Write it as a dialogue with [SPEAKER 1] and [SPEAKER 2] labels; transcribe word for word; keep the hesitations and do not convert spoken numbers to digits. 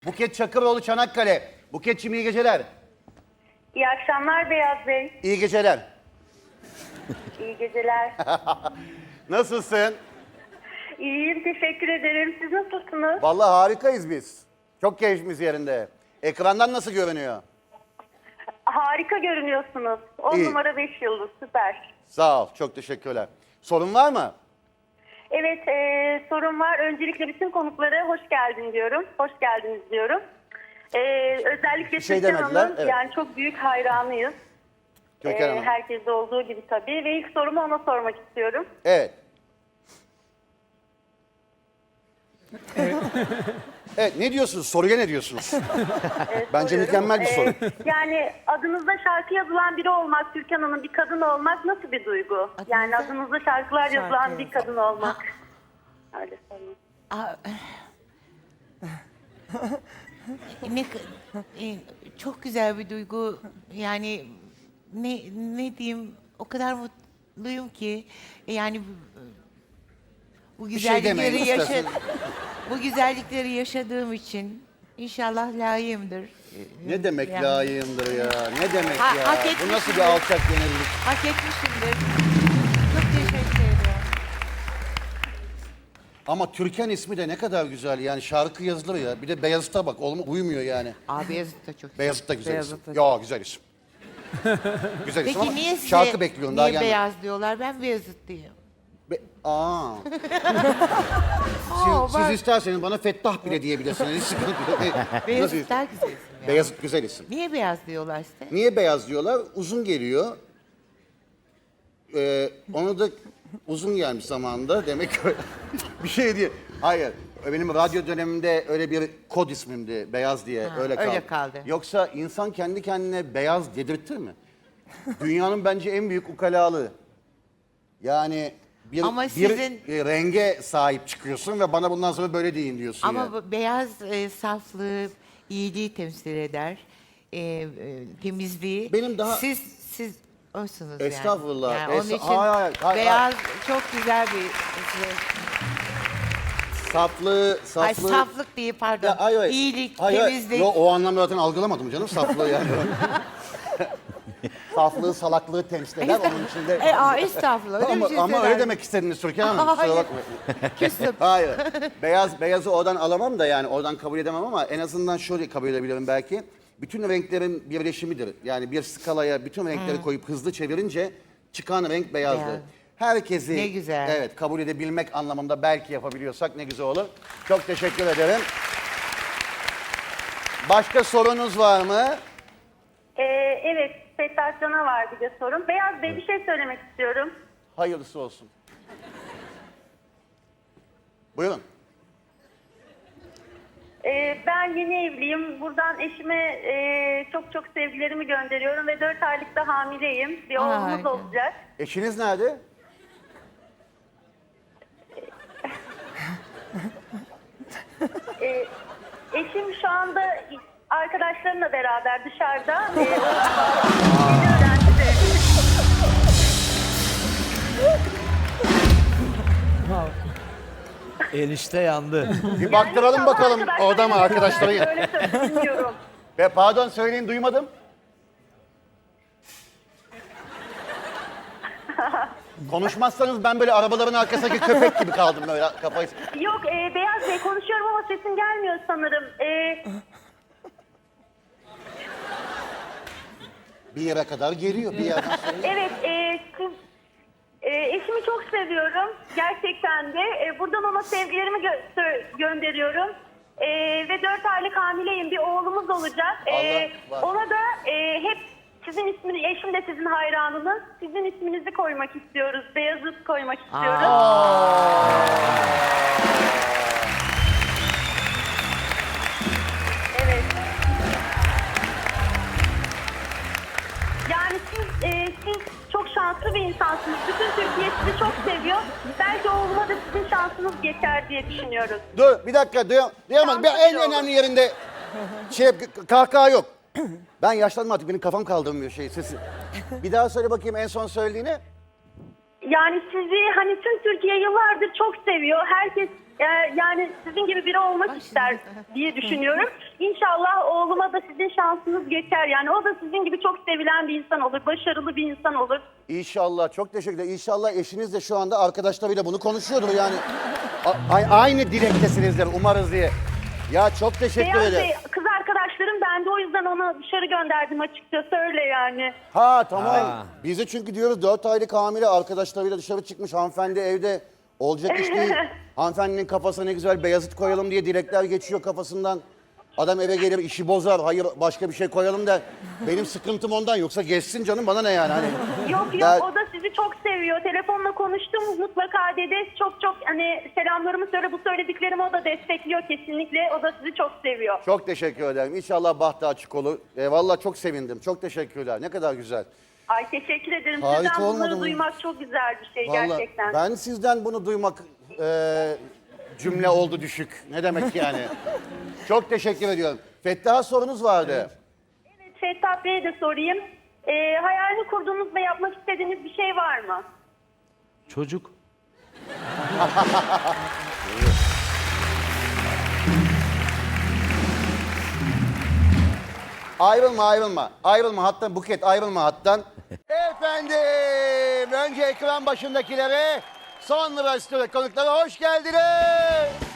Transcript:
[SPEAKER 1] Buket Çakıroğlu, Çanakkale. Buketçim iyi geceler.
[SPEAKER 2] İyi akşamlar Beyaz Bey.
[SPEAKER 1] İyi geceler.
[SPEAKER 2] İyi geceler.
[SPEAKER 1] Nasılsın?
[SPEAKER 2] İyiyim, teşekkür ederim. Siz nasılsınız?
[SPEAKER 1] Vallahi harikayız biz. Çok keyfimiz yerinde. Ekrandan nasıl görünüyor?
[SPEAKER 2] Harika görünüyorsunuz. on
[SPEAKER 1] İyi.
[SPEAKER 2] numara beş yıldız, süper.
[SPEAKER 1] Sağ ol, çok teşekkürler. Sorun var mı?
[SPEAKER 2] Evet, e, sorun var. Öncelikle bütün konuklara hoş geldin diyorum. Hoş geldiniz diyorum. E, özellikle
[SPEAKER 1] Bir şey
[SPEAKER 2] Türkan
[SPEAKER 1] demediler,
[SPEAKER 2] Hanım'ın
[SPEAKER 1] evet.
[SPEAKER 2] yani çok büyük hayranıyız.
[SPEAKER 1] Türkan
[SPEAKER 2] E,
[SPEAKER 1] Hanım.
[SPEAKER 2] herkeste olduğu gibi tabii. Ve ilk sorumu ona sormak istiyorum.
[SPEAKER 1] Evet. Evet, ne diyorsunuz? Soruya ne diyorsunuz?
[SPEAKER 2] E,
[SPEAKER 1] Bence
[SPEAKER 2] soruyorum.
[SPEAKER 1] mükemmel bir soru.
[SPEAKER 2] E, yani adınızda şarkı yazılan biri olmak, Türkan Hanım bir kadın olmak nasıl bir duygu? Yani adınızda şarkılar yazılan bir kadın olmak. Öyle sorayım.
[SPEAKER 3] Aa, ne k- e, çok güzel bir duygu. Yani ne ne diyeyim, o kadar mutluyum ki yani bu, bu
[SPEAKER 1] Bir şey demeyin,
[SPEAKER 3] güzellikleri yaşa
[SPEAKER 1] istersen.
[SPEAKER 3] bu güzellikleri yaşadığım için inşallah layığımdır.
[SPEAKER 1] Ne demek
[SPEAKER 3] Yani
[SPEAKER 1] layığımdır ya? Ne demek
[SPEAKER 3] Ha-
[SPEAKER 1] ya?
[SPEAKER 3] hak
[SPEAKER 1] Bu
[SPEAKER 3] etmişimdir.
[SPEAKER 1] nasıl bir alçak gönüllülük?
[SPEAKER 3] Hak etmişimdir. Çok teşekkür ederim.
[SPEAKER 1] Ama Türkan ismi de ne kadar güzel yani şarkı yazılır ya. Bir de Beyazıt'a bak, olma, uyumuyor yani.
[SPEAKER 3] Abi Beyazıt da çok
[SPEAKER 1] Beyazıt da güzel
[SPEAKER 3] Beyazıt
[SPEAKER 1] isim.
[SPEAKER 3] da
[SPEAKER 1] Ya güzel isim. güzel isim
[SPEAKER 3] Peki
[SPEAKER 1] ama
[SPEAKER 3] niye size
[SPEAKER 1] şarkı bekliyorum daha
[SPEAKER 3] niye
[SPEAKER 1] gelmedi.
[SPEAKER 3] beyaz diyorlar? Ben Beyazıt diyeyim.
[SPEAKER 1] Be- Aa.
[SPEAKER 3] Aa,
[SPEAKER 1] siz, siz
[SPEAKER 3] bak.
[SPEAKER 1] isterseniz bana Fettah bile diyebilirsiniz. Hiç sıkıntı yok. Nasıl
[SPEAKER 3] Beyazıt
[SPEAKER 1] isim?
[SPEAKER 3] daha güzel isim ya.
[SPEAKER 1] Beyazıt güzel isim.
[SPEAKER 3] Niye beyaz diyorlar işte?
[SPEAKER 1] Niye beyaz diyorlar? Uzun geliyor. Ee, onu da uzun gelmiş zamanında. Demek ki öyle- bir şey diye. Hayır. Benim radyo dönemimde öyle bir kod ismimdi. Beyaz diye.
[SPEAKER 3] Ha,
[SPEAKER 1] öyle kaldı.
[SPEAKER 3] öyle kaldı.
[SPEAKER 1] Yoksa insan kendi kendine beyaz dedirtir mi? Dünyanın bence en büyük ukalalığı. Yani bir,
[SPEAKER 3] Ama
[SPEAKER 1] bir
[SPEAKER 3] sizin-
[SPEAKER 1] e, renge sahip çıkıyorsun ve bana bundan sonra böyle deyin diyorsun
[SPEAKER 3] Ama
[SPEAKER 1] yani.
[SPEAKER 3] bu beyaz e, saflığı, iyiliği temsil eder. E, e, temizliği.
[SPEAKER 1] Benim daha-
[SPEAKER 3] Siz siz oysunuz yani.
[SPEAKER 1] Estağfurullah,
[SPEAKER 3] Yani onun
[SPEAKER 1] esta-
[SPEAKER 3] için
[SPEAKER 1] hayır, hayır, hayır,
[SPEAKER 3] beyaz çok güzel bir şey.
[SPEAKER 1] Saflığı,
[SPEAKER 3] Ay,
[SPEAKER 1] saflığı...
[SPEAKER 3] saflık değil pardon.
[SPEAKER 1] Ya, hayır, hayır.
[SPEAKER 3] İyilik,
[SPEAKER 1] Hayır, hayır.
[SPEAKER 3] temizlik.
[SPEAKER 1] Yo, o anlamda zaten algılamadım canım saflığı yani. Saflığı, salaklığı temsil eder onun içinde.
[SPEAKER 3] E, aa, estağfurullah. Öyle
[SPEAKER 1] ama
[SPEAKER 3] bir şey
[SPEAKER 1] ama öyle
[SPEAKER 3] söyler.
[SPEAKER 1] demek istediniz Türkan Hanım. Kusura
[SPEAKER 3] Hayır.
[SPEAKER 1] bakmayın.
[SPEAKER 3] Küstüm.
[SPEAKER 1] Hayır. Beyaz, beyazı oradan alamam da yani oradan kabul edemem ama en azından şöyle kabul edebilirim belki. Bütün renklerin birleşimidir. Yani bir skalaya bütün renkleri koyup hızlı çevirince çıkan renk beyazdır.
[SPEAKER 3] Beyaz.
[SPEAKER 1] Herkesi
[SPEAKER 3] Ne güzel.
[SPEAKER 1] evet kabul edebilmek anlamında belki yapabiliyorsak ne güzel olur. Çok teşekkür ederim. Başka sorunuz var mı?
[SPEAKER 2] E, evet, Fettah Can'a var bir de sorum. Beyaz Bey bir şey söylemek istiyorum.
[SPEAKER 1] Hayırlısı olsun. Buyurun.
[SPEAKER 2] E, ben yeni evliyim. Buradan eşime e, çok çok sevgilerimi gönderiyorum ve dört aylıkta hamileyim. Bir
[SPEAKER 3] Ay.
[SPEAKER 2] oğlumuz olacak.
[SPEAKER 1] Eşiniz nerede?
[SPEAKER 2] E, eşim şu anda arkadaşlarımla beraber dışarıda. E, yeni öğrencide.
[SPEAKER 4] Enişte yandı.
[SPEAKER 1] Bir baktıralım
[SPEAKER 2] İnşallah
[SPEAKER 1] bakalım
[SPEAKER 2] arkadaşlarım
[SPEAKER 1] orada mı arkadaşları?
[SPEAKER 2] beraber Öyle söyleyeyim, bilmiyorum.
[SPEAKER 1] Ve pardon söyleyin duymadım. Konuşmazsanız ben böyle arabaların arkasındaki köpek gibi kaldım böyle kafayı.
[SPEAKER 2] Yok e, Beyaz Bey konuşuyorum ama sesim gelmiyor sanırım. E,
[SPEAKER 1] Bir yere kadar geliyor bir yerden sonra.
[SPEAKER 2] evet e, siz, e, eşimi çok seviyorum gerçekten de. E, buradan ona sevgilerimi gö- sö- gönderiyorum. E, ve dört aylık hamileyim, bir oğlumuz olacak. E,
[SPEAKER 1] Allah var.
[SPEAKER 2] ona da e, hep sizin ismini, eşim de sizin hayranınız. Sizin isminizi koymak istiyoruz. Beyazıt koymak istiyoruz. Evet. Yani siz, e, siz çok şanslı bir insansınız. Bütün Türkiye sizi çok seviyor. Belki oğluma da sizin şansınız geçer diye düşünüyoruz.
[SPEAKER 1] Dur bir dakika duyam duyamadım. Bir
[SPEAKER 2] Şanslı
[SPEAKER 1] en
[SPEAKER 2] bir oğlum.
[SPEAKER 1] önemli yerinde şey k- kahkaha yok. Ben yaşlandım artık benim kafam kaldırmıyor şey sesi. Bir daha söyle bakayım en son söylediğini.
[SPEAKER 2] Yani sizi hani tüm Türkiye yıllardır çok seviyor. Herkes e, yani sizin gibi biri olmak ister diye düşünüyorum. İnşallah oğluma da sizin şansınız geçer. Yani o da sizin gibi çok sevilen bir insan olur. Başarılı bir insan olur.
[SPEAKER 1] İnşallah, çok teşekkür ederim. İnşallah eşiniz de şu anda arkadaşlarıyla bunu konuşuyordur yani. A- a- aynı dilektesinizdir umarız diye. Ya çok teşekkür
[SPEAKER 2] Beyaz
[SPEAKER 1] ederim.
[SPEAKER 2] Bey, kız arkadaşlarım, ben de o yüzden onu dışarı gönderdim açıkçası, öyle yani.
[SPEAKER 1] Ha tamam.
[SPEAKER 4] Ha.
[SPEAKER 1] Biz de çünkü diyoruz dört aylık hamile arkadaşlarıyla dışarı çıkmış, hanımefendi evde, olacak iş değil. Hanımefendinin kafasına ne güzel Beyazıt koyalım diye dilekler geçiyor kafasından. Adam eve gelir işi bozar, hayır başka bir şey koyalım der. Benim sıkıntım ondan, yoksa geçsin canım, bana ne yani hani.
[SPEAKER 2] Yok yok,
[SPEAKER 1] Ya-
[SPEAKER 2] o da sizi çok seviyor. Telefonla konuştum, mutlaka dedi. Çok çok hani selamlarımı söyle, bu söylediklerimi o da destekliyor kesinlikle. O da sizi çok seviyor.
[SPEAKER 1] Çok teşekkür ederim. İnşallah bahtı açık olur. E, vallahi çok sevindim. Çok teşekkürler. Ne kadar güzel.
[SPEAKER 2] Ay teşekkür ederim.
[SPEAKER 1] Harika
[SPEAKER 2] Sizden
[SPEAKER 1] olmadı
[SPEAKER 2] bunları
[SPEAKER 1] mı?
[SPEAKER 2] duymak çok güzel bir şey
[SPEAKER 1] Vallahi
[SPEAKER 2] gerçekten.
[SPEAKER 1] ben sizden bunu duymak e, cümle oldu düşük. Ne demek yani? Çok teşekkür ediyorum. Fettah'a sorunuz vardı.
[SPEAKER 2] Evet, Fettah Bey'e de sorayım. Ee, hayalini kurduğunuz ve yapmak istediğiniz bir şey var mı?
[SPEAKER 4] Çocuk.
[SPEAKER 1] Ayrılma ayrılma. Ayrılma hattan Buket, ayrılma hattan. Efendim önce ekran başındakilere, sonra stüdyo konuklara hoş geldiniz.